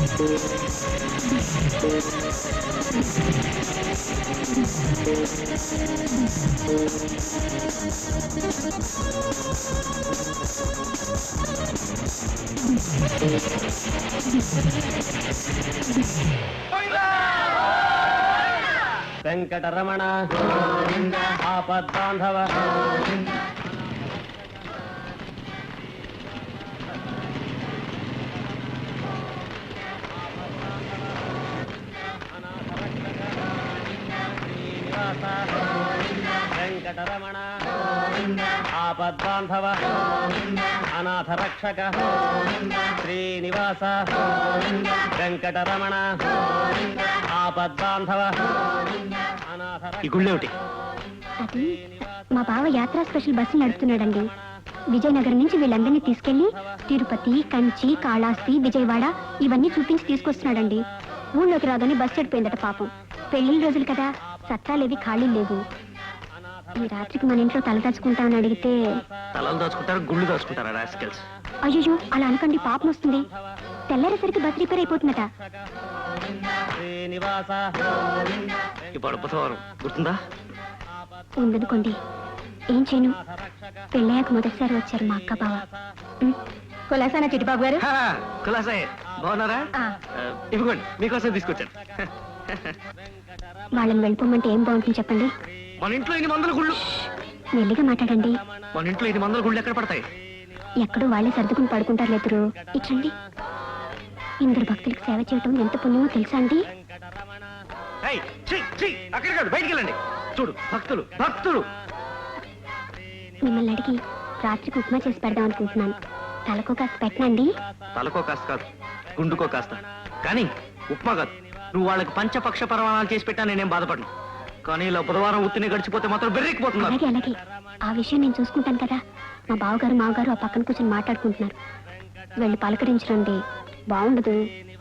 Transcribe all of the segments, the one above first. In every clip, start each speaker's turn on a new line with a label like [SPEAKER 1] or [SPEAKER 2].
[SPEAKER 1] వెంకటరమణ ఆపద్బాంధవ వెంకటరమణ ఆపద్బాంధవ అనాథ రక్షక శ్రీనివాస వెంకటరమణ ఆపద్బాంధవ
[SPEAKER 2] ఈ గుళ్ళేమిటి?
[SPEAKER 3] అది మా బావ యాత్రా స్పెషల్ బస్సు నడుపుతున్నాడండి. విజయనగరం నుంచి వీళ్ళందరినీ తీసుకెళ్లి తిరుపతి, కంచి, కాళహస్తి, విజయవాడ ఇవన్నీ చూపించి తీసుకొస్తున్నాడండి. ఊళ్ళోకి రాగానే బస్సు చెడిపోయిందట పాపం. పెళ్లిళ్ళ రోజులు కదా, సత్తాలేవి ఖాళీ లేవు. ఈ రాత్రికి మన ఇంట్లో తల దాచుకుంటామని అడిగితే
[SPEAKER 2] తలలు దాచుకుంటారు, గుళ్ళు దాచుకుంటారా రాస్కెల్స్?
[SPEAKER 3] అయ్యో అలా అనకండి, పాపం వస్తుంది. తెల్లారేసరికి బస్ రిపేర్ అయిపోతుందట.
[SPEAKER 2] ఇప్పుడు బుధవారం గుర్తుందా?
[SPEAKER 3] ఉందనుకోండి, ఏం చేయను. పెళ్ళయ్యాక మొదటిసారి వచ్చారు మా అక్క బావ. కులాసానా చిట్టిబాబు గారు?
[SPEAKER 2] కులాసాయే, బాగున్నారా? ఇవ్వండి, మీకోసం తీసుకొచ్చాను.
[SPEAKER 3] వాళ్ళని వెళ్ళిపోమంటే ఏం బాగుంటుంది చెప్పండి?
[SPEAKER 2] మన ఇంట్లో 800 గుళ్ళు.
[SPEAKER 3] మెల్లిగా మాట్లాడండి.
[SPEAKER 2] మన ఇంట్లో 800 గుళ్ళు ఎక్కడ పడతాయి?
[SPEAKER 3] ఎక్కడో వాళ్ళే సర్దుకుని పడుకుంటారు లేదురు. ఇట్లండి, ఇందరు భక్తులకు సేవ చేయటం ఎంత పుణ్యమో తెలుసా అండి?
[SPEAKER 2] అక్కడ కాదు, బయటికి వెళ్ళండి. చూడు, భక్తులు భక్తులు.
[SPEAKER 3] మిమ్మల్ని అడిగి రాత్రికి ఉప్మా చేసి పెడదాం అనుకుంటున్నాను. తలకో కాస్త పెట్టనండి.
[SPEAKER 2] తలకో కాస్త కాదు, గుండుకో కాస్త. కానీ ఉప్మా కాదు, నువ్వు వాళ్ళకి పంచపక్ష పరమాణాలు చేసి పెట్టా నేనేం బాధపడను. కానీ ఇలా బుధవారం ఉత్తిని గడిచిపోతే మాత్రం బెర్రెక్కిపోతున్నా.
[SPEAKER 3] అలాగే అలాగే, ఆ విషయం నేను చూసుకుంటాను కదా. మా బావగారు మావగారు ఆ పక్కన కూర్చొని మాట్లాడుకుంటున్నారు. వెళ్ళి పలకరించరండి, బాగుండదు.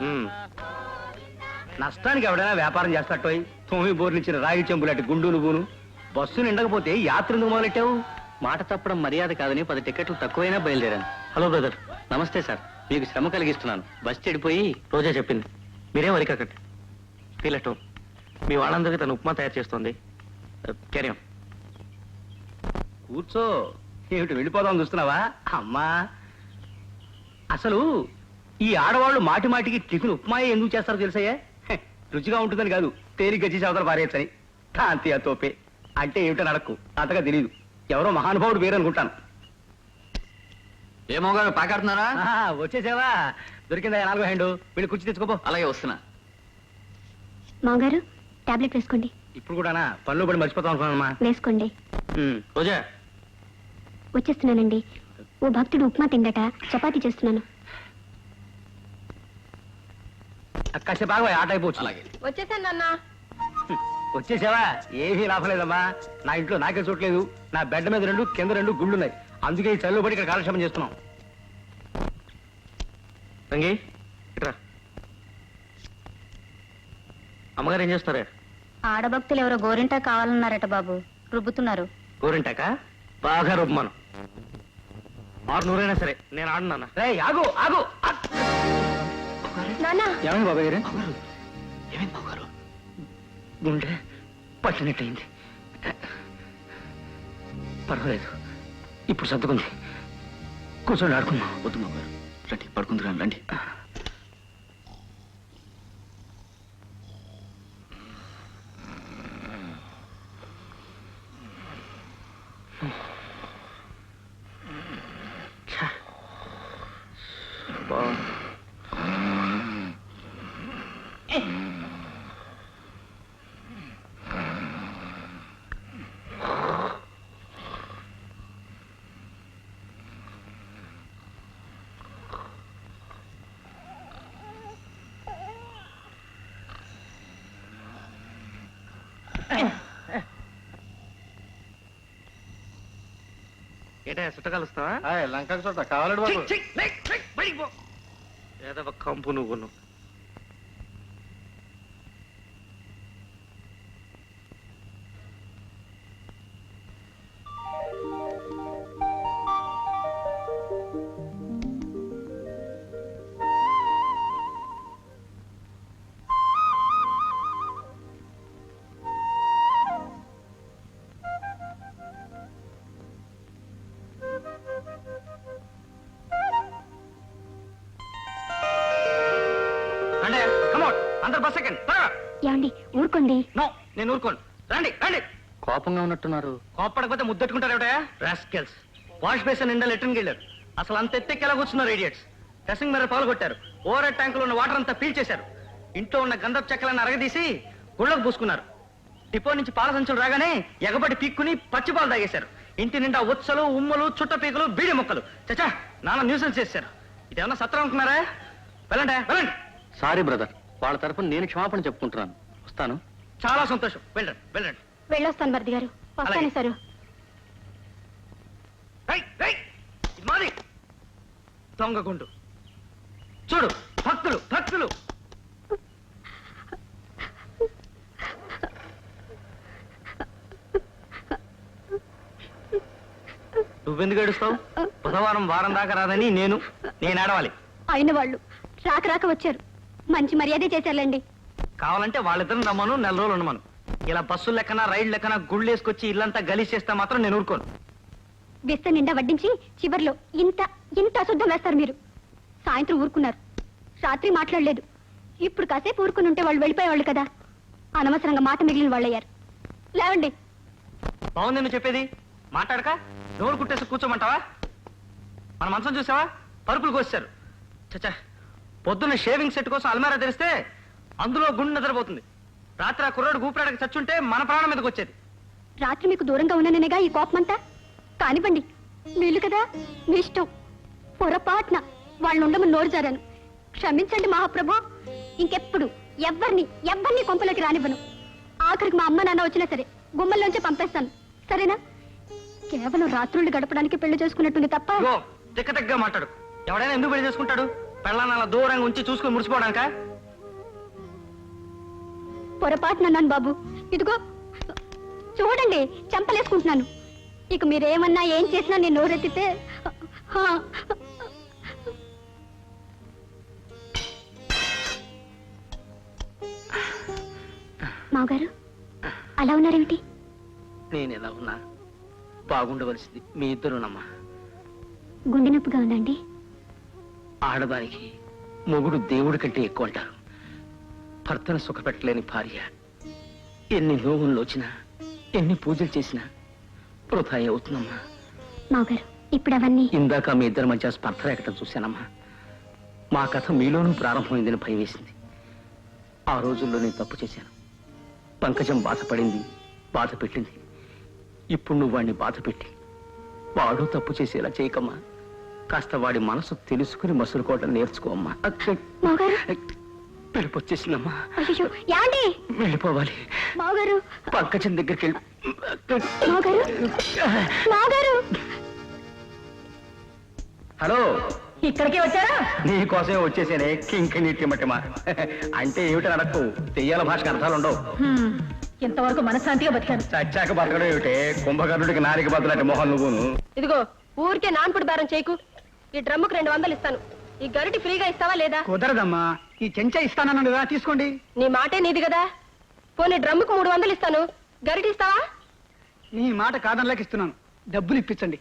[SPEAKER 1] నష్టానికి ఎవడైనా వ్యాపారం చేస్తాటో తొమ్మిది బోర్లు ఇచ్చిన రాగి చెంబులాంటి గుండు నువ్వును. బస్సు నిండకపోతే యాత్ర ఎందుకు మొదలెట్టావు?
[SPEAKER 2] మాట తప్పడం మర్యాద కాదని 10 టికెట్లు తక్కువైనా బయలుదేరాను. Hello brother, namaste sir. మీకు శ్రమ కలిగిస్తున్నాను. బస్ చెడిపోయి రోజా చెప్పింది. మీరేం వరికకండి, ఫీల్ అట్ హోమ్. మీ వాళ్ళందరికీ తను ఉప్మా తయారు చేస్తోంది. క్యారీ
[SPEAKER 1] కూర్చో. ఏమిటి వెళ్ళిపోదాం చూస్తున్నావా? అమ్మా, అసలు ఈ ఆడవాళ్ళు మాటి మాటికి టిఫిన్ ఉప్మాయే ఎందుకు చేస్తారో తెలుసాయే? రుచిగా ఉంటుందని కాదు, తేలిగ్గా చేసి అవతల పారేయచ్చని. కాంతి ఆ తోపే అంటే ఏమిటో నడక్కు, అంతగా తెలియదు. ఎవరో మహానుభావుడు పేరు అనుకుంటాను.
[SPEAKER 2] ఏమో గారు పాకాడుతున్నారా?
[SPEAKER 1] వచ్చేసావా? దొరికిందా 4వ హ్యాండ్? వీళ్ళు కుర్చీ తెచ్చుకోపో.
[SPEAKER 2] అలాగే వస్తున్నా.
[SPEAKER 3] మావగారు టాబ్లెట్ వేసుకోండి.
[SPEAKER 1] ఇప్పుడు కూడానా? పనులు పడి మర్చిపోతాం అనుకున్నానమ్మా.
[SPEAKER 3] వేసుకోండి.
[SPEAKER 2] రోజా
[SPEAKER 3] వచ్చేస్తున్నానండి. ఓ భక్తుడు ఉప్మా తిండట, చపాతీ చేస్తున్నాను.
[SPEAKER 1] కాసేపు బాగా ఆట అయిపోవచ్చు.
[SPEAKER 2] అలాగే
[SPEAKER 3] వచ్చేసాను నాన్న.
[SPEAKER 1] వచ్చేసావా? ఏమీ లాభం లేదమ్మా. నా ఇంట్లో నాకే చూడలేదు. నా బెడ్ మీద 2 కింద 2 గుళ్ళున్నాయి. అందుకే ఈ చల్లు పడి ఇక్కడ కాలక్షేపం చేస్తున్నాం.
[SPEAKER 2] రంగి ఇట్రా. అమ్మగారు ఏం చేస్తారే?
[SPEAKER 3] ఆడభక్తులు ఎవరో గోరింటా కావాలన్నారట బాబు, రుబ్బుతున్నారు.
[SPEAKER 2] గోరింటాక బాగా రుబ్బమను. 600 సరే, నేను ఆడున్నానా?
[SPEAKER 1] రే ఆగు ఆగు.
[SPEAKER 3] నాన్న,
[SPEAKER 1] ఏమైంది బాబాయ్ గారు?
[SPEAKER 2] ఏమైంది బాబుగారు?
[SPEAKER 1] గుండె పట్టినట్టయింది. పర్వాలేదు, ఇప్పుడు సర్దుకుంది. కూర్చొని ఆడుకుందాం.
[SPEAKER 2] వద్దు బాబుగారు, రండి పడుకుంటున్నాను, రండి. ఏటా సుట్ట కలుస్తావా?
[SPEAKER 1] లంక చోట కావాలడు బాబు.
[SPEAKER 2] ఏదో కంపు నువ్వు.
[SPEAKER 1] అందరు బస్ సెకండ్ త్వరగా.
[SPEAKER 3] ఏమండి ఊరుకోండి.
[SPEAKER 1] నో నేను ఊరుకోను. రండి రండి.
[SPEAKER 2] కోపంగా ఉన్నట్టున్నారు.
[SPEAKER 1] కోప్పడకపోతే ముద్దెట్టుకుంటారు ఏమిటయా రాస్కెల్స్. వాష్ బేసిన్ నిండా లెట్రిన్కి వెళ్ళారు. అసలు అంత ఎత్తెక్కేలా కూర్చున్నారు ఇడియట్స్. డ్రెస్సింగ్ మిర్రర్ పగలు కొట్టారు. ఓవర్ హెడ్ ట్యాంకులో ఉన్న వాటర్ అంతా పీల్చేశారు. ఇంట్లో ఉన్న గంధపు చెక్కలను అరగదీసి గుళ్ళకు పూసుకున్నారు. డిపో నుంచి పాల సంచులు రాగానే ఎగబడి పీక్కుని పచ్చిపాలు తాగేశారు. ఇంటి నిండా ఉచ్చలు ఉమ్మలు చుట్ట పీకలు బీడి మొక్కలు. చచ్చా నాన్న న్యూసెన్స్ చేశారు. ఇదేమన్నా సత్రం అనుకున్నారా? వెళ్ళండి వెళ్ళండి.
[SPEAKER 2] సారీ బ్రదర్, వాళ్ళ తరపున నేను క్షమాపణ చెప్పుకుంటున్నాను. వస్తాను.
[SPEAKER 1] చాలా సంతోషం. వెళ్ళండి వెళ్ళండి.
[SPEAKER 3] వెళ్ళొస్తాను మరిది గారు. వస్తానే
[SPEAKER 1] అలాగే.
[SPEAKER 3] సారు.
[SPEAKER 1] ఇది మాది దొంగగుండు. చూడు భక్తులు భక్తులు. నువ్వెందుకు ఏడుస్తావు? బుధవారం వారం దాకా రాదని నేను ఆడవాలి.
[SPEAKER 3] అయిన వాళ్ళు రాక రాక వచ్చారు. మంచి మర్యాదే చేశారులేండి.
[SPEAKER 1] కావాలంటే వాళ్ళిద్దరిని రమ్మను, నెల రోజులు ఉండమను. ఇలా బస్సులు లెక్కన రైళ్లు లెక్కన గుళ్ళు వేసుకొచ్చి ఇల్లంతా గలీజ్ చేస్తే మాత్రం నేను ఊరుకోను.
[SPEAKER 3] బిస్త నిండా వడ్డించి చివర్లో ఇంత ఇంత అశుద్ధం వేస్తారు మీరు. సాయంత్రం ఊరుకున్నారు, రాత్రి మాట్లాడలేదు. ఇప్పుడు కాసేపు ఊరుకుని ఉంటే వాళ్ళు వెళ్ళిపోయేవాళ్ళు కదా. అనవసరంగా మాట మిగిలిన వాళ్ళయ్యారు. లేవండి.
[SPEAKER 1] బాగుంది నువ్వు చెప్పేది. మాట్లాడక నోరు కుట్టేసి కూర్చోమంటావా? మన మంచం చూసావా? పరుపులు కోసారు. చచ్చా పొద్దున్న షేవింగ్ సెట్ కోసం అల్మారా తెరిస్తే అందులో గుండె నిద్రపోతుంది. రాత్రి ఆ కుర్రాడు ఊపిరాడకి చచ్చుంటే మన ప్రాణం మీదకి వచ్చేది.
[SPEAKER 3] రాత్రి మీకు దూరంగా ఉన్నాననేగా ఈ కోపమంతా. కానివ్వండి, వీళ్ళు కదా, మీ ఇష్టం. పొరపాటున వాళ్ళు ఉండమని నోరు జారాను. క్షమించండి మహాప్రభు. ఇంకెప్పుడు ఎవ్వరిని కొంపలోకి రానివ్వను. ఆఖరికి మా అమ్మ నాన్న వచ్చినా సరే గుమ్మల్లోంచి పంపేస్తాను. సరేనా? కేవలం రాత్రుళ్ళు గడపడానికి పెళ్లి చేసుకున్నట్టుంది తప్ప.
[SPEAKER 1] ఇగో తిక్కగా మాట్లాడు. ఎవడైనా ఎందుకు పెళ్లి చేసుకుంటాడు? పెళ్ళాన్ని అలా దూరంగా ఉంచి చూసుకుని మురిసిపోవడానికా?
[SPEAKER 3] పొరపాటున అన్నాను బాబు. ఇదిగో చూడండి, చంపలేసుకుంటున్నాను. ఇక మీరేమన్నా ఏం చేసినా నేను నోరెత్తితే మావగారు అలా ఉన్నారేమిటి?
[SPEAKER 1] నేను ఎలా ఉన్నా బాగుండవలసింది మీ ఇద్దరునమ్మా.
[SPEAKER 3] గుండె నొప్పిగా ఉందండి.
[SPEAKER 1] ఆడదానికి మొగుడు దేవుడి కంటే ఎక్కువ అంటారు. భర్తను సుఖపెట్టలేని భార్య ఎన్ని నోవులు వచ్చినా ఎన్ని పూజలు చేసినా వృథా అవుతుందమ్మా.
[SPEAKER 3] మావగారు ఇప్పుడు అవన్నీ
[SPEAKER 1] ఇందాక మీ ఇద్దరి మధ్య స్పర్ధ రేఖటం చూశానమ్మా. మా కథ మీలోనూ ప్రారంభమైందని భయం వేసింది. ఆ రోజుల్లో నేను తప్పు చేశాను. పంకజం బాధపడింది, బాధ పెట్టింది. ఇప్పుడు నువ్వు వాడిని బాధ పెట్టి వాడు తప్పు చేసేలా చేయకమ్మా. కాస్త వాడి మనసు తెలుసుకుని మసులుకోవడం నేర్చుకోమ్మా. పిలుపు వచ్చేసిందమ్మా.
[SPEAKER 3] అయ్యో యాండి
[SPEAKER 1] వెళ్ళిపోవాలి.
[SPEAKER 3] మావగారు
[SPEAKER 1] పంకజం దగ్గరికి వెళ్ళి.
[SPEAKER 3] మావగారు మావగారు
[SPEAKER 1] హలో,
[SPEAKER 3] ఇక్కడికి వచ్చారా?
[SPEAKER 1] నీకోసమే వచ్చేసేనే కింకి నీటి మట్టిమా. అంటే ఏమిటని అడక్కు. తెయ్యాల భాషకు అర్థాలు ఉండవు.
[SPEAKER 3] ఇంతవరకు మనశ్శాంతిగా బతికాను.
[SPEAKER 1] చచ్చాక బతకడం ఏమిటే? కుంభకర్ణుడికి నారికి బదులంటే మొహం నువ్వును.
[SPEAKER 3] ఇదిగో ఊరికే నాన్పుడు బేరం చేయకు. ఈ డ్రమ్ముకు 200 ఇస్తాను. ఈ గరిటి ఫ్రీగా ఇస్తావా లేదా?
[SPEAKER 1] కుదరదమ్మా. ఈ చెంచా ఇస్తానన్నాను కదా, తీసుకోండి.
[SPEAKER 3] నీ మాటే నీది కదా. పోనీ డ్రమ్ముకు 300 ఇస్తాను. గరిటి ఇస్తావా?
[SPEAKER 1] నీ మాట కాదనలేక ఇస్తున్నాను. డబ్బులు ఇప్పించండి.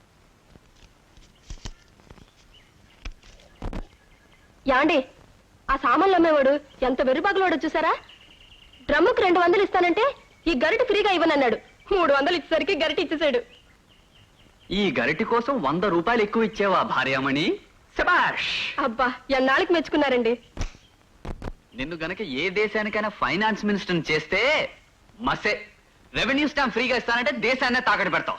[SPEAKER 3] యాండి ఆ సామాన్లు అమ్మేవాడు ఎంత వెర్రిబాగులోడో చూసారా? డ్రమ్ముకు 200 ఇస్తానంటే ఈ గరిటి ఫ్రీగా ఇవ్వనన్నాడు. 300 ఇచ్చేసరికి గరిటి ఇచ్చేసాడు.
[SPEAKER 2] ఈ గరిటి కోసం 100 రూపాయలు ఎక్కువ ఇచ్చేవా భార్యామణి? శబాష్!
[SPEAKER 3] అబ్బా ఎన్నాళ్ళకి మెచ్చుకున్నారండి.
[SPEAKER 2] నిన్ను గనక ఏ దేశానికైనా ఫైనాన్స్ మినిస్టర్ చేస్తే మసే. రెవెన్యూ స్టాంప్ ఫ్రీగా ఇస్తానంటే దేశాన్నే తాకట్టు పెడతావు.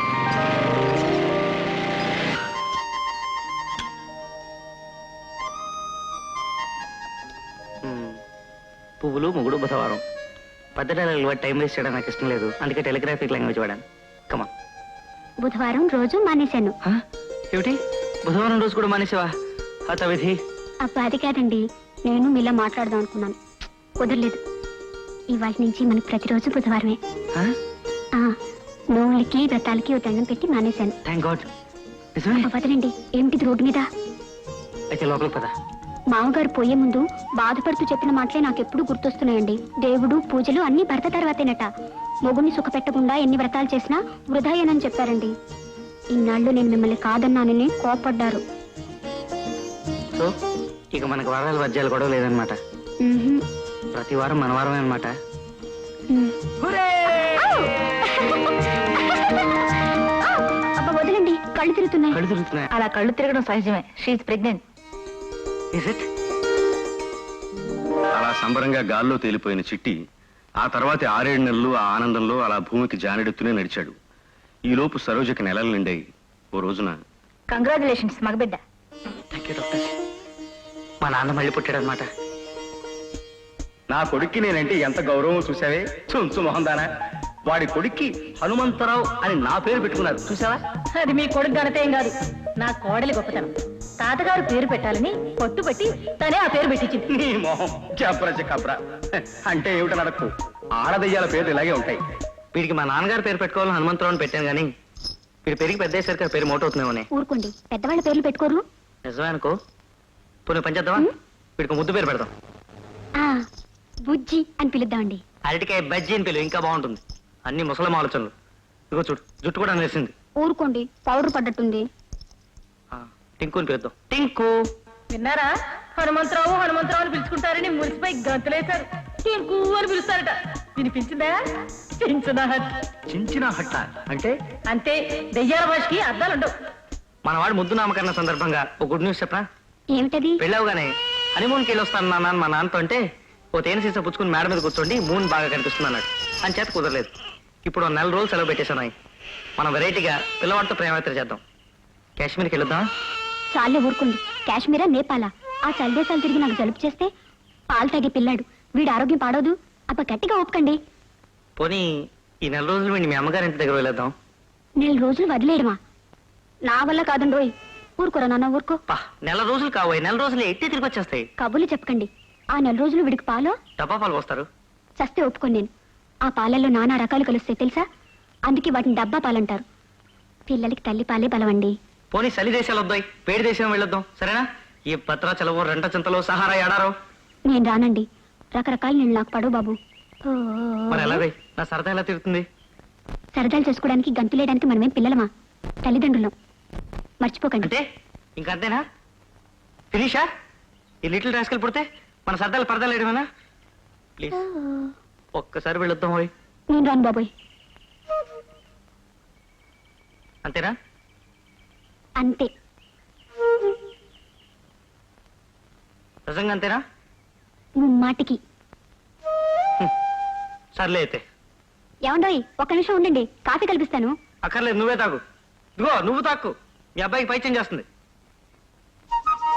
[SPEAKER 1] పువ్వులు మొగుడు బుధవారం. పెద్ద డైలాగులు టైం వేస్ట్ చేయడం నాకు ఇష్టం లేదు. అందుకే టెలిగ్రాఫిక్ లాంగ్వేజ్ వాడాను. కమా.
[SPEAKER 3] బుధవారం రోజు మానేశాను.
[SPEAKER 1] ఏమిటి బుధవారం రోజు కూడా మానేసావా? హతవిధి.
[SPEAKER 3] అబ్బా అది కాదండి, నేను మీలా మాట్లాడదాం అనుకున్నాను. కుదరలేదు. ఇవాళ నుంచి మనకు ప్రతిరోజు బుధవారమే. నోవులకి వ్రతాలకి ఓ దండం పెట్టి మానేశాను.
[SPEAKER 1] Thank God. నిజమే?
[SPEAKER 3] వదలండి. ఏమిటిది రోడ్డు మీద?
[SPEAKER 1] అయితే లోపలికి పద.
[SPEAKER 3] మామగారు పోయే ముందు బాధపడుతూ చెప్పిన మాటలే నాకెప్పుడు గుర్తొస్తున్నాయండి. దేవుడు పూజలు అన్ని భర్త తర్వాతేనట. మొగుడిని సుఖపెట్టకుండా ఎన్ని వ్రతాలు చేసినా వృధాయేనని చెప్పారండి. ఇన్నాళ్ళు నేను మిమ్మల్ని కాదన్నానని కోపడ్డారు.
[SPEAKER 1] సో ఇక మనకు వరాలు వజ్యాలు గొడవ లేదనమాట.
[SPEAKER 3] మ్మ్హ్మ్.
[SPEAKER 2] ప్రతి వారం మన వారమే అనమాట.
[SPEAKER 3] మ్మ్. అబ్బా, వదలండి, కళ్ళు తిరుగుతున్నాయి.
[SPEAKER 2] కళ్ళు తిరుగుతున్నాయి.
[SPEAKER 4] అలా కళ్ళు తిరగడం సహజమే. She's pregnant.
[SPEAKER 2] Is it?
[SPEAKER 1] అలా సంబరంగా గాల్లో తేలిపోయిన చిట్టి ఆ తర్వాత 6-7 నెలలు ఆ ఆనందంలో అలా భూమికి జానెడుతూనే నడిచాడు. ఈలోపు సరోజకి నెలలు నిండాయి. ఓ రోజున
[SPEAKER 4] కంగ్రాచులేషన్స్ మగబిడ్డ.
[SPEAKER 2] Thank you doctor. మా నాన్న మళ్ళీ పుట్టాడనమాట.
[SPEAKER 1] నా కొడుక్కి నేనంటే ఎంత గౌరవం చూసావే, చుంచు మొహందానా. వాడి కొడుక్కి హనుమంతరావు అని నా పేరు పెట్టుకున్నారు చూసావా.
[SPEAKER 4] అది మీ కొడుకు ఘనతేం కాదు, నా కోడలి గొప్పతనం. తాతగారు పేరు పెట్టాలని పట్టుబట్టి తనే ఆ పేరు పెట్టించింది.
[SPEAKER 1] నీ మొహం జబ్రజ కబ్రా. అంటే ఏమిటో నడకు, ఆడదయ్యాల పేర్లు ఇలాగే ఉంటాయి.
[SPEAKER 2] వీడికి మా నాన్నగారు పేరు పెట్టుకోవాలని హనుమంతరావు అని పెట్టాను కానీ వీడి పెరిగి పెద్ద అయ్యేసరికి ఆ పేరు మోట అవుతుందేమోనే.
[SPEAKER 3] ఊరుకోండి, పెద్దవాళ్ళ పేర్లు పెట్టుకోరు.
[SPEAKER 2] నిజమే అనుకో. పోనీ పని చేద్దామా? వీడికి ముద్దు పేరు పెడదాం.
[SPEAKER 3] ఆ, బుజ్జి అని పిలుద్దామండి.
[SPEAKER 2] అరటికాయ బజ్జీ అని పిలువు, ఇంకా బాగుంటుంది. అన్ని ముసలం ఆలోచనలు. ఇదిగో చూడు, జుట్టు కూడా నేర్సింది.
[SPEAKER 3] ఊరుకోండి, పౌడర్ పడ్డట్టుంది.
[SPEAKER 2] టింకు అని పిలుద్దాం. టింకు.
[SPEAKER 4] విన్నారా? హనుమంతరావు హనుమంతరావు అని పిలుచుకుంటారని మురిసిపోయి గంతులేశారు. టింకు అని పిలుస్తారట. వినిపించిందా?
[SPEAKER 1] చించిన హట్ట అంటే
[SPEAKER 4] అంతే, దెయ్యాల భాషకి అర్థాలుండవు.
[SPEAKER 2] మన వాడు ముద్దు నామకరణ సందర్భంగా ఒక గుడ్ న్యూస్ చెప్పనా?
[SPEAKER 3] ఏమిటది?
[SPEAKER 2] వెళ్ళావుగానే హనీమూన్కి వెళ్ళొస్తాను నాన్న అని మా నాన్నతో అంటే ఓ తేనె సీసా పుచ్చుకుని మేడ మీద కూర్చోండి మూన్ బాగా కనిపిస్తుంది అన్నాడు. అని చేత కుదరలేదు. ఇప్పుడు 4 నెలలు సెలవు పెట్టేశాను. మనం వెరైటీగా పిల్లవాడితో ప్రేమయాత్ర చేద్దాం. కాశ్మీర్కి వెళ్దాం.
[SPEAKER 3] చాలే ఊరుకోండి. కాశ్మీరా, నేపాలా? ఆ చలిదేశాలు తిరిగి నాకు జలుబు చేస్తే పాలు తాగే పిల్లాడు, వీడి ఆరోగ్యం పాడవదు. అప్ప గట్టిగా ఒప్పుకండి.
[SPEAKER 2] పోనీ ఈ 4 రోజులు వీడిని మీ అమ్మగారి ఇంటి దగ్గర వెళ్ళేద్దాం.
[SPEAKER 3] 4 రోజులు వదిలేయడమా? నా వల్ల కాదండి రోయ్. ఊరుకోరా నాన్న, ఊరుకో.
[SPEAKER 2] 4 రోజులు కావోయ్, 4 రోజులు ఎట్టి తిరిగి వచ్చేస్తాయి.
[SPEAKER 3] కబుర్లు చెప్పకండి. ఆ 4 రోజులు వీడికి పాలో
[SPEAKER 2] డబ్బా పాలు పోస్తారు.
[SPEAKER 3] చస్తే ఒప్పుకోను నేను. ఆ పాలల్లో నానా రకాలు కలుస్తాయి తెలుసా? అందుకే వాటిని డబ్బా పాలంటారు. పిల్లలకి తల్లి పాలే బలవండి.
[SPEAKER 2] పోనీ చలి దేశాలు వద్దాయి, వేడి దేశం వెళ్ళొద్దాం. సరేనా? ఈ భద్రాచలము, రెంట చింతలు, సహారా ఎడారో.
[SPEAKER 3] నేను రానండి. రకరకాల నీళ్ళు నాకు పడవు బాబు. ఓ,
[SPEAKER 2] మరి ఎలాగై నా సరదా ఎలా తిరుగుతుంది?
[SPEAKER 3] సరదాలు చేసుకోవడానికి గంతులేయడానికి మనమేం పిల్లలమా? తల్లిదండ్రులం. మర్చిపోకండి.
[SPEAKER 2] అంటే ఇంకంతేనా? ఫినిషా? ఈ లిటిల్ రాస్కల్ పుడితే మన సరదాలు పరదాలు వేయడమేనా? ప్లీజ్ ఒక్కసారి వెళ్ళొద్దాం. పోయి
[SPEAKER 3] నేను రాను బాబోయ్.
[SPEAKER 2] అంతేనా?
[SPEAKER 3] అంతే.
[SPEAKER 2] నిజంగా అంతేనా?
[SPEAKER 3] మాటికి.
[SPEAKER 2] సర్లే అయితే.
[SPEAKER 3] ఏమండోయ్, ఒక్క నిమిషం ఉండండి, కాఫీ కల్పిస్తాను.
[SPEAKER 2] అక్కర్లేదు, నువ్వే తాగు. ఇదిగో నువ్వు తాక్కు, మీ అబ్బాయికి పైత్యం చేస్తుంది.